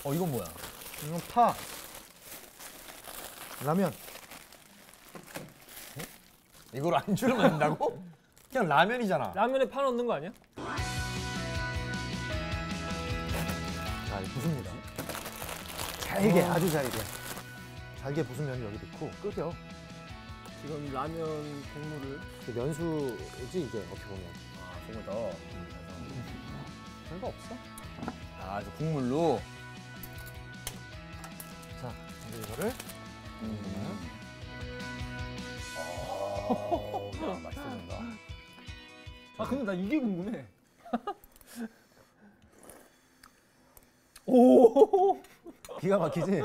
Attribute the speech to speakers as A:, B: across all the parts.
A: 이건 뭐야?
B: 이건 파. 라면.
A: 이걸 안주를 만든다고? 그냥 라면이잖아.
C: 라면에 파 넣는 거 아니야?
B: 자, 이 부습니다. 잘게, 아주 잘게. 잘게 부순 면을 여기 넣고 끓여.
C: 지금 라면 국물을
B: 그 면수지 이게 어떻게 보면.
A: 국물 더.
B: 별거 없어.
A: 저 국물로.
B: 자, 이제 이거를.
A: 야, 맛있어진다.
C: 근데 나 이게 궁금해. 오.
B: 기가 막히지?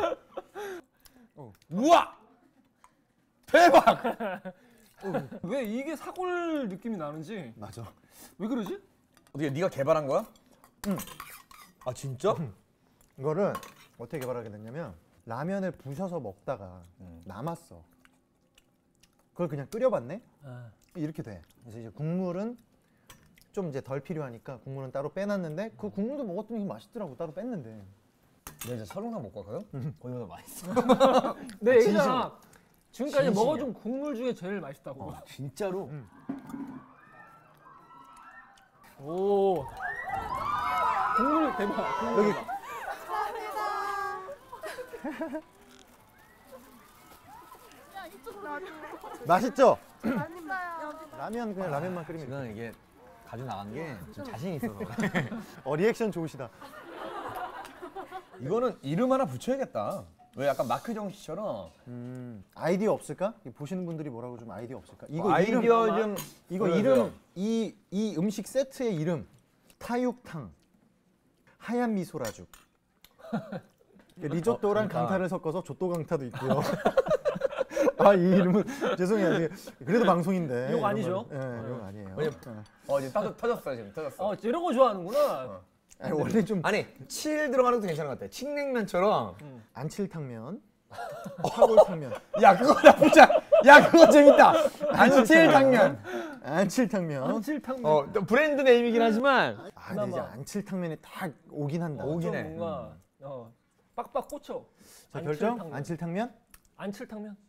A: 우와! 대박!
C: 왜 이게 사골 느낌이 나는지.
B: 맞아.
C: 왜 그러지?
A: 어떻게 네가 개발한 거야?
B: 응.
A: 아 진짜?
B: 이거를 어떻게 개발하게 됐냐면 라면을 부셔서 먹다가 남았어. 그걸 그냥 끓여봤네? 이렇게 돼. 그래서 이제 국물은 좀 이제 덜 필요하니까 국물은 따로 빼놨는데 그 국물도 먹었더니 맛있더라고. 따로 뺐는데.
A: 내가 이제 설렁탕 먹고 왔거든? 거기보다 맛있어.
C: 내 얘기잖아. 지금까지
A: 진심이야.
C: 먹어준 국물 중에 제일 맛있다고.
A: 진짜로?
C: 오. 국물 대박. 국물
B: 여기
C: 대박.
B: 맛있죠?
D: 맛있어요.
B: 라면 그냥 라면만 끓이면 돼.
A: 지금 이게 가져 나간 게 좀 자신 있어서 그래.
B: 리액션 좋으시다.
A: 이거는 이름 하나 붙여야겠다. 왜 약간 마크 정씨처럼
B: 아이디어 없을까? 보시는 분들이 뭐라고 좀 아이디어 없을까? 이거
A: 아이디어
B: 이름,
A: 좀
B: 이거
A: 보여줘요.
B: 이름 이 음식 세트의 이름 타육탕 하얀 미소라죽 리조또랑
A: 그러니까.
B: 강타를 섞어서 조또 강타도 있고요. 이 이름은 죄송해요. 이게 그래도 방송인데
C: 욕 아니죠?
B: 욕 아니에요.
A: 왜냐면 이제 터졌어 지금 터졌어.
C: 이런 거 좋아하는구나.
B: 아니, 원래 좀
A: 아니 칠 들어가는 것도 괜찮은 것 같아. 칡냉면처럼.
B: 안칠탕면, 사골탕면,
A: 야 그거 나쁘지 않아. 야 그거 재밌다. 안칠탕면.
B: 안칠탕면.
C: 안칠탕면.
A: 또 브랜드 네임이긴 하지만.
B: 근데 이제 안칠탕면이 딱 오긴 한다.
A: 오긴 해.
C: 뭔가 빡빡 꽂혀.
B: 자, 결정?
C: 안칠탕면.
B: 안칠탕면?
C: 안칠탕면.